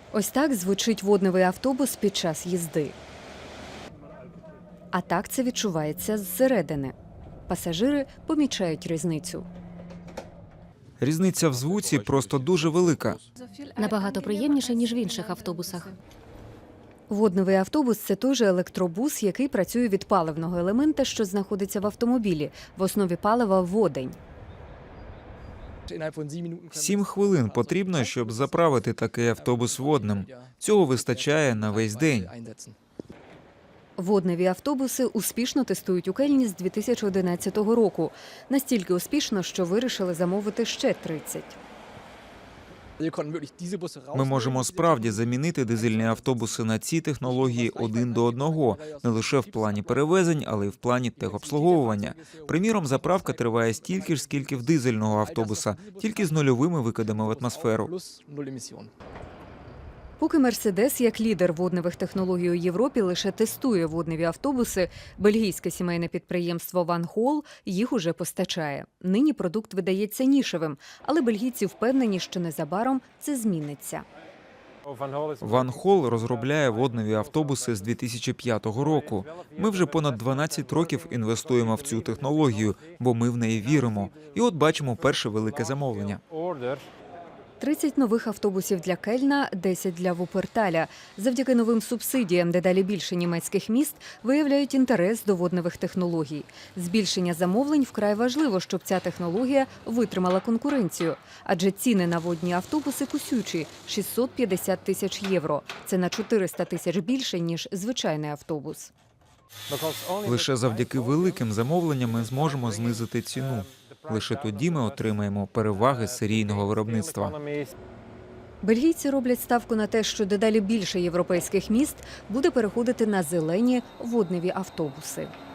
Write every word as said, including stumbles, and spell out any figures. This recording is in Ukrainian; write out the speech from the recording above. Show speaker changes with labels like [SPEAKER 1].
[SPEAKER 1] Ось так звучить водневий автобус під час їзди. А так це відчувається зсередини. Пасажири помічають різницю.
[SPEAKER 2] Різниця в звуці просто дуже велика.
[SPEAKER 3] Набагато приємніше, ніж в інших автобусах.
[SPEAKER 1] Водневий автобус – це той же електробус, який працює від паливного елемента, що знаходиться в автомобілі. В основі палива – водень.
[SPEAKER 2] Сім хвилин потрібно, щоб заправити такий автобус водним. Цього вистачає на весь день.
[SPEAKER 1] Водневі автобуси успішно тестують у Кельні з дві тисячі одинадцятого року. Настільки успішно, що вирішили замовити ще тридцять.
[SPEAKER 2] Ми можемо справді замінити дизельні автобуси на ці технології один до одного, не лише в плані перевезень, але й в плані техобслуговування. Приміром, заправка триває стільки ж, скільки в дизельного автобуса, тільки з нульовими викидами в атмосферу.
[SPEAKER 1] Поки «Мерседес» як лідер водневих технологій у Європі лише тестує водневі автобуси, бельгійське сімейне підприємство «Ван Хол» їх уже постачає. Нині продукт видається нішевим, але бельгійці впевнені, що незабаром це зміниться.
[SPEAKER 2] Ван Хол розробляє водневі автобуси з дві тисячі п'ятого року. Ми вже понад дванадцять років інвестуємо в цю технологію, бо ми в неї віримо. І от бачимо перше велике замовлення.
[SPEAKER 1] тридцять нових автобусів для Кельна, десять для Вуперталя. Завдяки новим субсидіям дедалі більше німецьких міст виявляють інтерес до водневих технологій. Збільшення замовлень вкрай важливо, щоб ця технологія витримала конкуренцію. Адже ціни на водні автобуси кусючі – шістсот п'ятдесят тисяч євро. Це на чотириста тисяч більше, ніж звичайний автобус.
[SPEAKER 2] Лише завдяки великим замовленням ми зможемо знизити ціну. Лише тоді ми отримаємо переваги серійного виробництва.
[SPEAKER 1] Бельгійці роблять ставку на те, що дедалі більше європейських міст буде переходити на зелені водневі автобуси.